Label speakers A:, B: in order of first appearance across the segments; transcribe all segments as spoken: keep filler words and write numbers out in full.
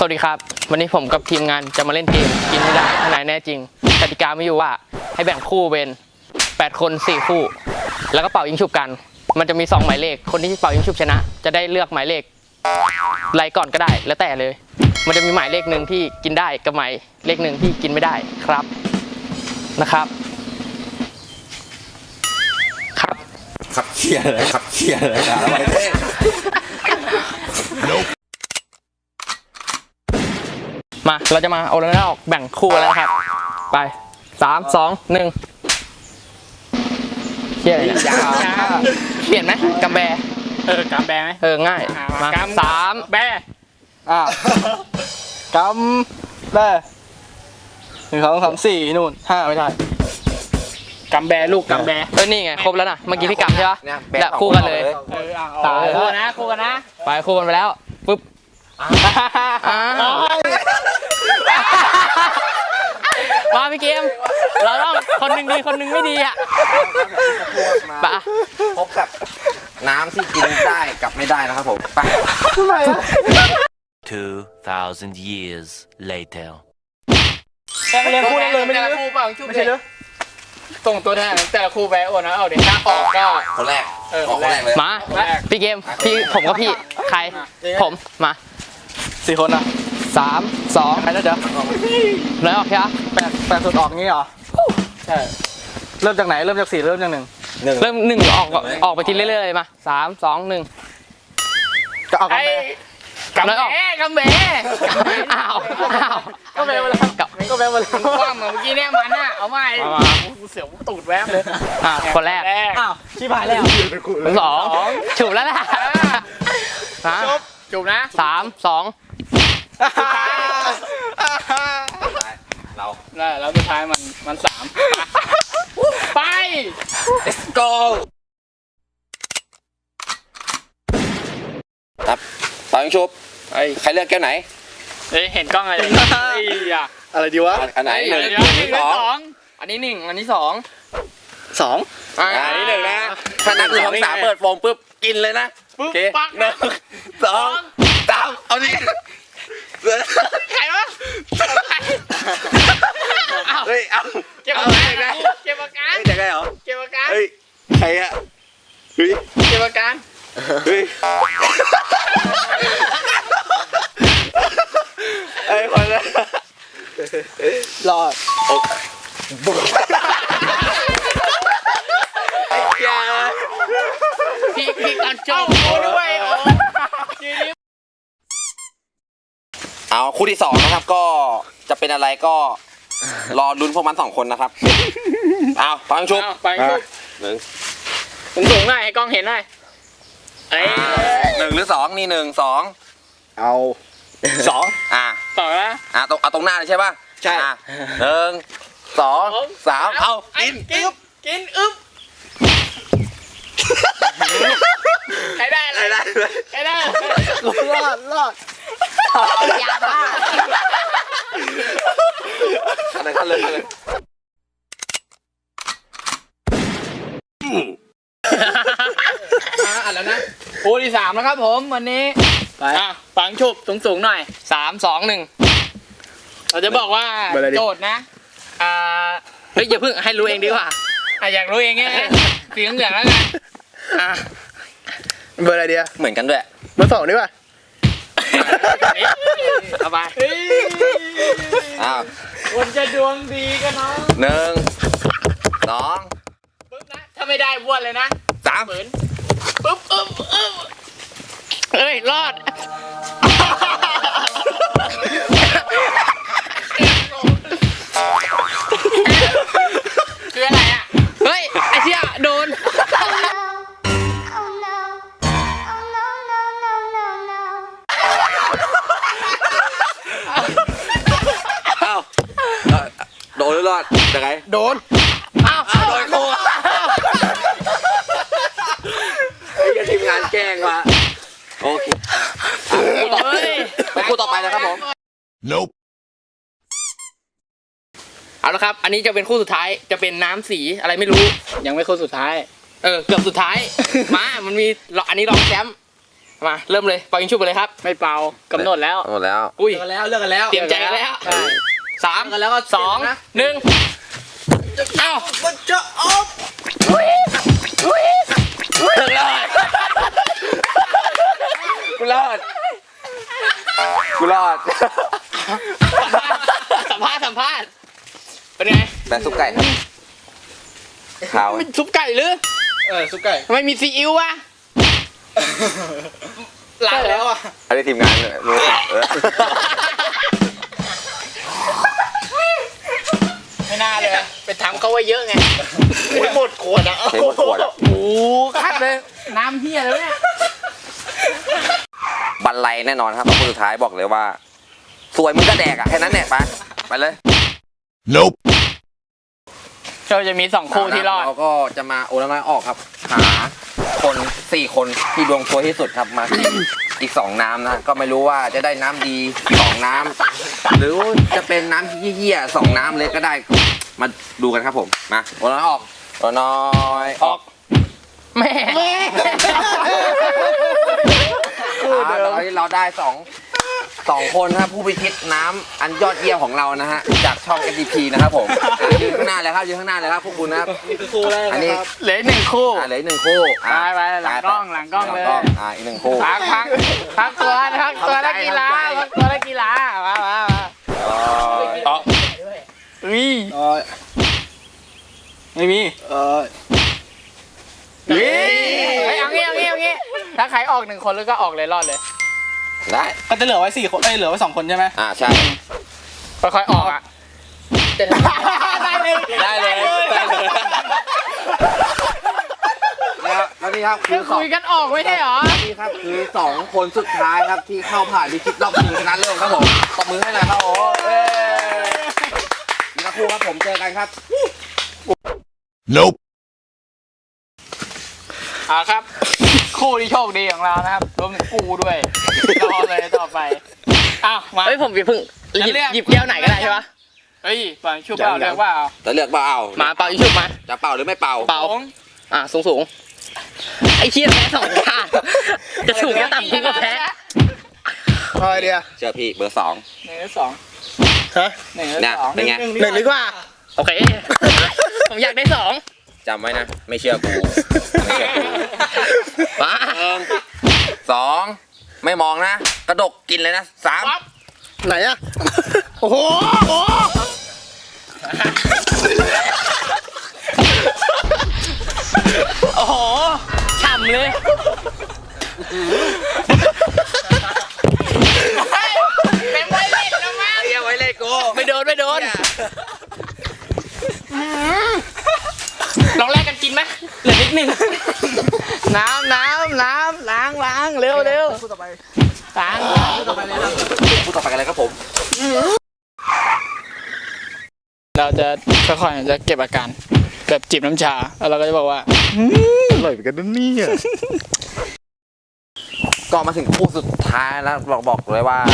A: วัสดีครับวันนี้ผมกับทีมงานจะมาเล่นเกมกินไม่ได้ทนายแน่จริงกติกาไม่อยู่ว่าให้แบ่งคู่เป็นแปดคนสี่คู่แล้วก็เป่ายิงฉุบกันมันจะมีสองหมายเลขคนที่เป่ายิงฉุบชนะจะได้เลือกหมายเลขไล่ก่อนก็ได้แล้วแต่เลยมันจะมีหมายเลขหนึ่งที่กินได้กับหมายเลขหนึ่งที่กินไม่ได้ครับนะครับครับ
B: ขับเคียร์เลยขับเคียร์เลยนะอะไรเนี่ย
A: มาเราจะมาเอาแล้วออกแบ่งคู่แล้วครับไปสามสองหนึ่งเขียนเขียนไหมกำแบ
C: เออกำแบไหม
A: เออง่ายมาสาม
C: แบ
D: อ่ากำแบหนึ่งสองสามสี่นู่นห้าไม่ได้
C: กำแบลูกกำแบ
A: เออนี่ไงครบแล้วนะเมื่อกี้พี่กำใช่ปะแล้วคู่กันเลย
C: ตายคู่นะคู่กันนะ
A: ไปคู่กันไปแล้วปุ๊บมาพี่เกมเราต้องคนหนึ่งดีคนหนึ่งไม่ดีอ่ะปะ
B: พบกับน้ำที่กินได้กับไม่ได้นะครับผมไป
D: ทำไมอ่ะ
E: two thousand years later
D: เรียนคู่ได้เลยไม่ได้
C: คู่เปล่าไม่ใช่เหรอส่งตัวแทนแต่ละคู่ไปโอ้นะเอาเดี๋ยวถ้าออกก็
B: คนแรกออกคนแรกเลย
A: มาพี่เกมพี่ผมกับพี่ใครผมมา
D: สี่คนอ่ะ
A: สามสอง
D: ใครนะเดี๋ยว
A: แล้วออกใช่ไหม
D: แปดแปดสุดออกงี้เหรอใช่เริ่มจากไหนเริ่มจากสี่เริ่มจากหนึ่ง
A: เริ่มหนึ่งออกออกไปทีเรื่อยๆมาสามสองหนึ่ง
D: ก็เอากำแบ
C: กำแบกำแบ
A: อ้าวอ้าว
D: ก็แบมาแล้วก็แบมาแล้ว
C: คว่ำเมื่อกี้เนี่ยมันน่ะเอาใหม่กูเสียวตูดแวบเลย
A: อ่าคนแรก
D: อ้าวชิบหายแล้ว
A: สองฉุบแล้วล่ะ
C: จุบจุบนะ
A: สามสอง
B: เรา
C: แล้วสุดท้ายมันมันสามไป
B: let's go ครับตอนชุบใครเลือกแก้วไหน
C: เฮ้ยเห็นกล้องอะไร
D: อะไรดีวะ
B: อันไหนหนึ่งสอง
A: อันนี้หนึ่งอันนี้สอง
D: สอง
B: อันนี้หนึ่งนะถ้านับหนึ่งสองสามเปิดโฟมปุ๊บกินเลยนะโอเคหนึ่งสองสามเอาดิ
C: ใครวะ
B: เฮ้ยเอา
C: เก็บอาการเก็บอาการ
B: เฮ้ยจะไงเหรอ
C: เก็บอาการ
B: เฮ้ยใครอะเฮ้ย
C: เก็บอาการ
B: เฮ้ยไอ้คนละ
D: รอด
A: พี่พี่ตอนจบ
C: โอ้ด้วย
B: เอาคู่ที่สองนะครับก็จะเป็นอะไรก็รอลุ้นพวกมันสองคนนะครับเอาฟังชุบ
C: ฟังชุบ
B: หนึ่ง
C: สูงสูงหน่อยให้กล้องเห็นหน่อย
B: เอ้หนึ่งหรือสองนี่หนึ่งสอง
D: เอาสอง
B: อ่า
C: สองนะ
B: อ่าตรงเอาตรงหน้าเลยใช่ป่ะ
D: ใช่
B: หนึ่งสองสามเอากิน
C: กินกินอึ๊บใครได้
B: ใครได้
C: ใครได้
D: รอดรอด
A: ยาบ้า
B: อะไรกันเลยเลย
C: อ่ะแล้วนะคู่ที่สามนะครับผมวันนี้ไปอ่ะฟังชุบสูงสูงหน่อย
A: สามสองหนึ่ง
C: เราจะบอกว่าโจทย์นะอ่า
A: เฮ้ยอย่าเพิ่งให้รู้เองดีกว่า
C: อ่ะอยากรู้เองไงสีเหลืองแล้วกัน
D: อ่ะเบอร์อะไรเดีย
B: เหมือนกันด้วย
D: เบอร์สองดีกว่า
C: เอาไป
B: อ้าว
C: คนจะดวงดีกันเนาะ
B: หนึ่งสอง
C: ปึ๊บนะถ้าไม่ได้บ้วนเลยนะ
B: สาม
C: เหมือนปึ๊บอึ๊บอึ๊บ
A: เอ้ยรอด
C: คืออะไรอ่ะ
A: เฮ้ยไอ้เชี่ยโดน
B: โดนหรือรอดยังไง
D: โดน
A: อ้าว
B: โดนโค้ไอ้ทีมงานแกล้งว่ะโอเคคู่ต่อไปคู่ต่อไปนะครับผม
E: Nope
A: เอาละครับอันนี้จะเป็นคู่สุดท้ายจะเป็นน้ำสีอะไรไม่รู้
C: ยังไม่คู่สุดท้าย
A: เออเกือบสุดท้ายมามันมีอันนี้รองแชมป์มาเริ่มเลยเป่ายิงชุบไปเลยครับ
C: ไม่เป่ากำหนดแล้ว
B: หมดแล้ว
A: อุ้ย
D: เลิกกันแล้วเลิกกันแล้ว
A: เตรียมใจกันแล้ว
C: ใช่
A: สาม
D: กันแล้วก็
A: สองหนึ่งเอ้า
D: มันจะออก
A: ถึงแล้ว
B: กูรอดกูรอด
A: สัมภาษณ์สัมภาษณ์เป็นไง
B: แบบซุปไก่ครับขาว
A: มันซุปไก่หรือ
D: เออซุปไก่
A: ทำไมมีซีอิ๊ววะ
D: ล้างแล้วอ่ะ
B: อันนี้ทีมงานเลยรู้เออ
A: ไม่น่าเลยไปทำเขาไว้เยอะไง
C: หมดขวดอ่ะ
B: เทหมดขวดอะ
A: โอ้คัดเลยน้ำเฮียแล้วเนี่ย
B: บันไลแน่นอนครับคนสุดท้ายบอกเลยว่า สวยมึงก็แดกอ่ะแค่นั้นแหละไปไปเลย
E: Nope.
A: เราจะมีสองคู่ที่รอด
B: เราก็จะมาโอละน้อยออกครับ หาคนสี่คนที่ดวงซวยที่สุดครับมากินอีกสองน้ำนะก็ไม่รู้ว่าจะได้น้ำดีสองน้ำหรือจะเป็นน้ำเยี่ยๆสองน้ำเลยก็ได้มาดูกันครับผมมาโอละน้อยออกโอละน้อยออก
A: แม่
B: อ่าตอนนี้เราได้สองสองคนนะครับผู้พิชิตน้ำอันยอดเยี่ยมของเรานะฮะจากช่อง เอส ดี พี นะครับผมอ่ะยืนข้างหน้าเลยครับยืนข้างหน้าเลยครับพวกคุณนะครับ
D: นี่คือคู่แรก
B: อัน
D: นะ
B: นี้
D: ครับ
A: เหลืออกหนึ่งคู่
B: อ่าเหลืออีกหนึ่งคู่อ่ะ
A: ไปไปหลังกล้องหลังกล้องเลย
B: อ่าอีกหนึ่งคู่
A: พักพักพักตัวพักตัวนักกีฬาพักตัวนักกีฬามามามา
B: อ๋อ
A: อุ้ย
D: เออไม่มีเออ
A: อุ้ยเฮ้ยเอางี้เอางี้เอางี้ถ้าใครออกหนึ่งคนแล้วก็ออกเลยรอดเลย
B: ได้
D: ก็จะเหลือไว้สี่คนเอ้ยเหลือไว้สองคนใช่ไหม
B: อ่าใช่
A: ค่อยๆออกอ่ะได้เลย
B: ได้เลยได้เลยแล้วแล้วนี่ครับคื
A: คือ
B: อสอง
A: คุยกันออกไม่ใช่เหรอ
B: นี่ครับคือสองคนสุดท้ายครับที่เข้าผ่านพิชิตรอบชิงชนะเลิศครับผมตบมือให้หน่อยครับโอ้เอ้ยนี่ครับครูครับผมเจอกันครับ
E: Nope.
A: อ่าครับ คู่ที่โชคดีของเรานะครับรวมถึงกูด้วยรอเลยต่อไปอ้าวมา
C: เฮ้ยผมอย่าเพิ่งหยิบ
A: เลือก
C: หยิบแก้วไหนก็ได้ใช่ปะ
A: เฮ้ยเป่าชุบเปล่าเลือกเปล่า
B: จะเลือกเปล่า
C: มาเป่ายิงชุบมา
B: จะเป่าหรือไม่เป่า
C: เป่า อ่ะสูงสูงไอ้เชี่ยแพ้สองข้างจะสูงก็ต่ำกูก็แพ้
D: พอเดียว
B: เจอพี่เบอร์สอง
A: หนึ่งหรือสอง
D: ฮะ
A: หนึ่งหรือ
B: เนี่ย
A: สอง
B: เป็นไง
D: หนึ่งดีกว่า
C: โอเค ผมอยากได้สอง
B: จำไว้นะ ไม่เชื่อกูไม่เชื่อกู
C: ว้า
B: หนึ่งสองไม่มองนะ กระดกกินเลยนะสาม
D: ไหนอะโอ้โหโอ้
A: โอ้โหฉ่ำเลยเป็นไวเล่นแล้วมั้ง
B: เรียกไว้เลยกู
A: ไม่โดนไม่โดนลองแลกกันกินไหมเหลือนิดหนึ่งน้ำน้ำน้ำล้างล้างเร็วเร็ว
D: คู่ต่อไป
A: ล้าง
D: คู่ต่อไปเลยครับ
B: พูดต่อไปกันเลยครับผม
A: เราจะค่อยๆจะเก็บอาการแบบจิบน้ำชาแล้วเราก็จะบอกว่า
D: อร่อยเหมือนกันนะเนี่ย
B: ก็มาถึงคู่สุดท้ายแล้วบอกบอกเลยว่า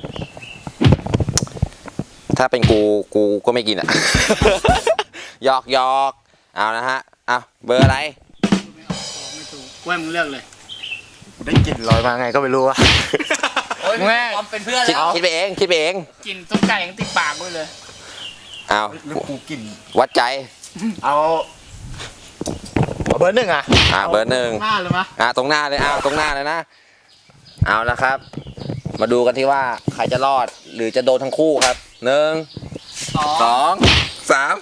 B: ถ้าเป็นกูกูก็ไม่กินอ่ะ หยอกหยอกเอานะฮะเอาเบอร์อะไร
A: กล้วยมึงเลือกเลย
D: ได้กลิ่นลอยมาไงก็ไม่รู้อะ
A: แม่
C: เป็นเพื่อน
B: คิดคิดไปเองคิดไปเอง
A: กินซุปไก่ยังติดปากมึงเลย
B: เอา
D: แล้วกูกลิ่น
B: วัดใจ
D: เอาเอาเบอร์หนึ่งอะ
B: อ่าเบอร์หนึ่ง
D: หน้าเลยมะ
B: อ่าตรงหน้าเลยอ่าตรงหน้าเลยนะ เอาละครับ มาดูกันที่ว่าใครจะรอดหรือจะโดนทั้งคู่ครับหนึ่งสองสาม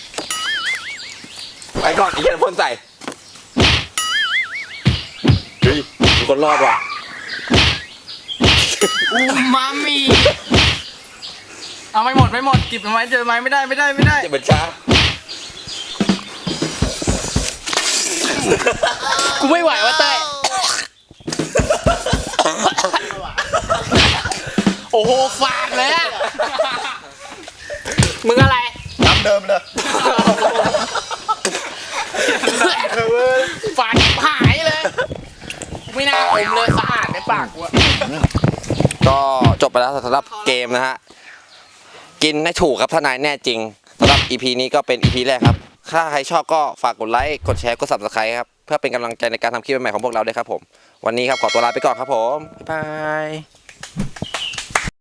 B: ไปก่อนอีกคนพ่นใส่เฮ้ยมีคนรอดว่ะ
A: อูมามิเอาไม่หมดไม่หมดจิบทำไมเจอไหมไม่ได้ไม่ได้ไม่ได้
B: จะเป็นช้า
A: กูไม่ไหวว่ะเต้ยโอ้โหฟาดเลยอะมึงอะไร
D: ตามเดิมเลย
A: ฟาดหายเลย ไม่น่าอมเลยสะอาดในปากกูอะ
B: ก็จบไปแล้วสำหรับเกมนะฮะ กินให้ถูกครับถ้านายแน่จริงสำหรับ อี พี นี้ก็เป็น อี พี แรกครับ ถ้าใครชอบก็ฝากกดไลค์ กดแชร์ กด ซับสไครบ์ ครับพื่อเป็นกำลังใจในการทำคลิปใหม่ๆของพวกเราด้วยครับผมวันนี้ครับขอตัวลาไปก่อนครับผมบ๊ายบาย